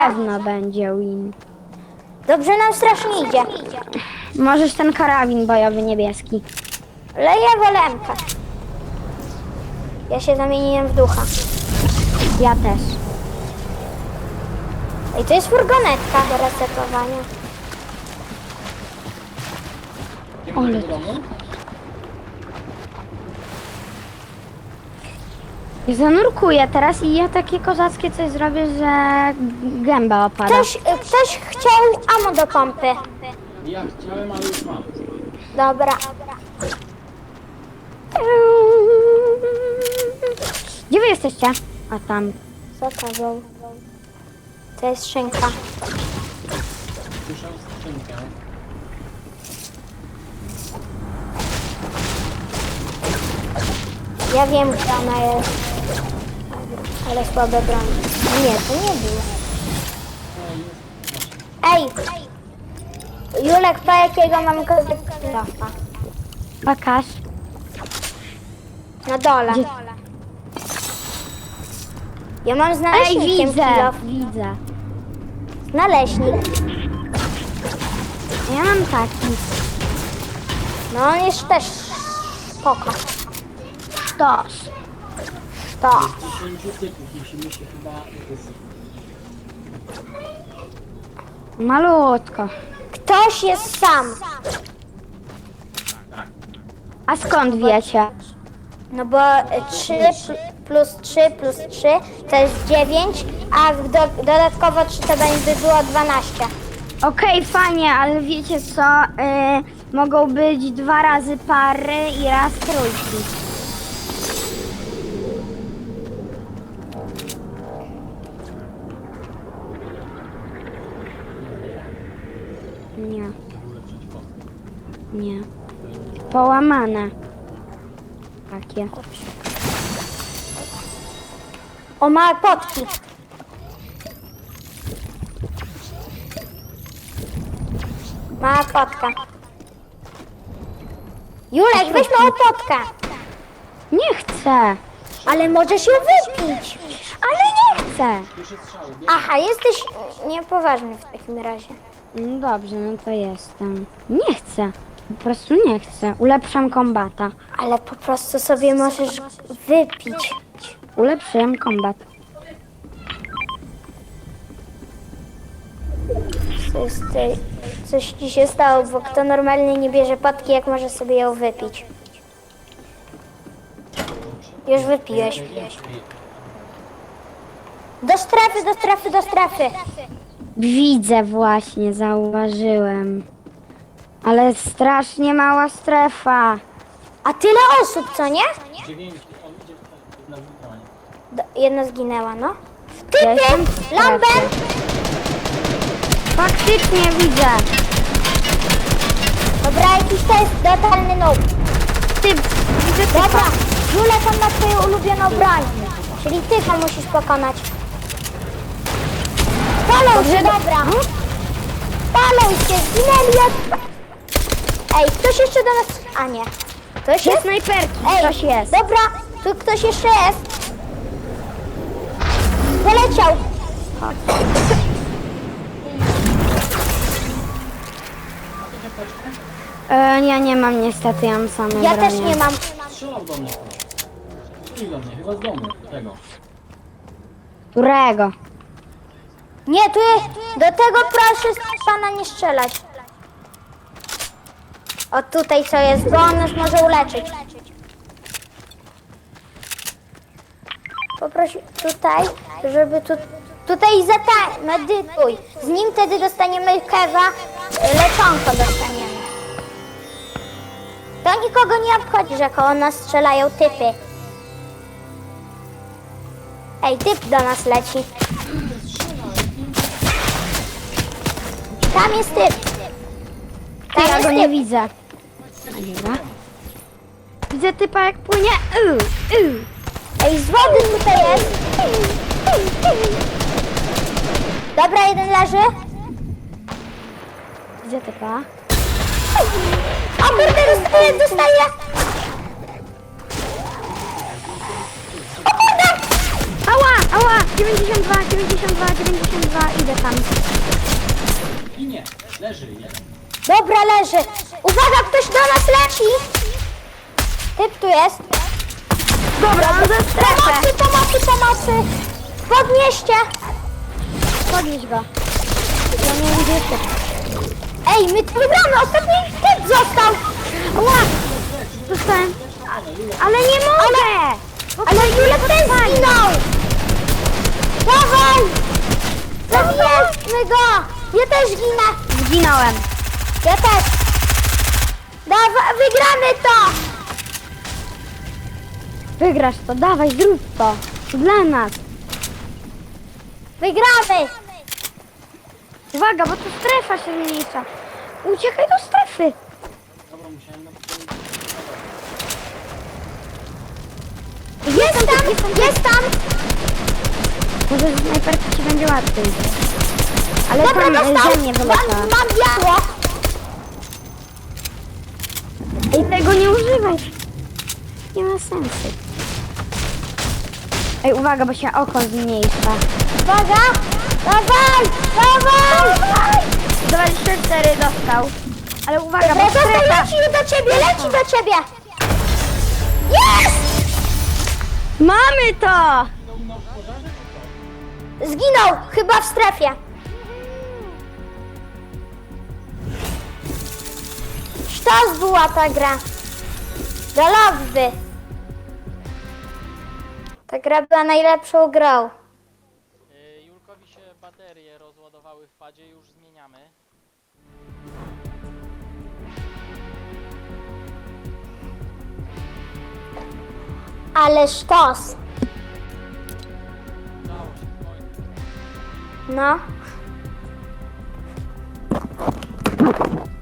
Pewno będzie win. Dobrze nam strasznie idzie. Możesz ten karabin bojowy niebieski. Ale ja wolę MK. Ja się zamieniłem w ducha. Ja też. I to jest furgonetka do resetowania. Ale... Ja zanurkuję teraz i ja takie kozackie coś zrobię, że gęba opada. Ktoś chciał ammo do pompy. Ja chciałem, ale już mam. Dobra. Gdzie wy jesteście? A tam. Co to był? To jest szynka. Słyszał skrzynkę. Ja wiem, gdzie ona jest. Ale słabe broń. Nie, to nie było. Ej! Julek, po jakiego mam kozaka? Pokaż. Na dole. Gdzie? Ja mam z Ej, naleśnikiem widzę. kilof. Widzę. Naleśnik. Ja mam taki. No on jest też spoko. Sztos. To. 10 typów musimy się chyba... Malutko. Ktoś jest sam. A skąd wiecie? No bo 3 plus 3 plus 3 to jest 9, a dodatkowo 3 to będzie było 12. Okej, fajnie, ale wiecie co? Mogą być 2 razy pary i raz trójki. Nie. Nie. Połamane. Takie. O, ma potki. Mała potka. Julek, weź małą potkę. Nie chcę. Ale możesz ją wypić. Ale nie chcę. Aha, jesteś niepoważny w takim razie. No dobrze, no to jestem. Nie chcę. Po prostu nie chcę. Ulepszam kombata. Ale po prostu sobie możesz wypić. Ulepszyłem kombat. Coś ci się stało, bo kto normalnie nie bierze potki, jak może sobie ją wypić? Już wypiłeś. Do strefy, do strefy, do strefy. Widzę właśnie, zauważyłem. Ale strasznie mała strefa. A tyle osób, co nie? 9, on idzie na wybranie. Jedna zginęła, no. Ja jestem w Typy! strefie. Lambert! Faktycznie widzę. Dobra, jakiś to jest totalny noob. Widzę typa. Dobra, Julek, on ma twoją ulubioną broń. Czyli ty go musisz pokonać. Palą się, dobra. Palą się, zginęli od... Ej, ktoś jeszcze do nas... A nie. Ktoś Jest jest? snajperki, Ej, ktoś jest. dobra, tu ktoś jeszcze jest. Poleciał. Ja nie mam niestety, ja mam same Ja bronie. też nie mam. Strzelał do mnie. I do mnie, chyba z domu. Tego. Którego? Nie, tu jest... Do tego proszę pana nie strzelać. O tutaj co jest, bo on nas może uleczyć. Poprosi tutaj, żeby tutaj medytuj. Z nim wtedy dostaniemy kewa, leczonko dostaniemy. To nikogo nie obchodzi, że koło nas strzelają typy. Ej, typ do nas leci. Tam jest typ. Tam Ja jest go nie typ. widzę. A dobra. Widzę typa jak płynie. Ej, z wody tutaj jest. Dobra, jeden leży. Widzę typa. O kurde, dostaję. O kurde! Ała! 92, 92, 92, idę tam. I nie, leży jeden. Dobra, leży. Uwaga, ktoś do nas leci. Typ tu jest. Dobra, to za strefę. Pomocy. Podnieście. Podnieś go. Ja nie wiem, gdzie jesteś. Ej, my tu wygramy. Ostatni typ został. Ała! Dostałem. Ale nie mogę! Ale Julek też zginął. Dawaj. Zabijmy go. Ja też ginę. Zginąłem. Ja też. Dawaj, wygramy to. Wygrasz to, dawaj, zrób to. Dla nas. Wygramy. Uwaga, bo to strefa się zmniejsza. Uciekaj do strefy. Dobra, musiałem na Jest tam. Może z snajperki ci będzie łatwiej. Ale Dobra, tam dostał. ze mnie wyleciała. Mam biało. Ej, tego nie używaj. Nie ma sensu. Ej, uwaga, bo się oko zmniejsza. Uwaga. Dawaj. 24 dostał. Ale uwaga, Dobra, bo został, strefa. leci do ciebie. Jest! Mamy to! Zginął, chyba w strefie. Sztos była ta gra. Do lobby. Ta gra była najlepszą grą. Julkowi się baterie rozładowały w padzie, już zmieniamy. Ale sztos. Udało się w końcu. No.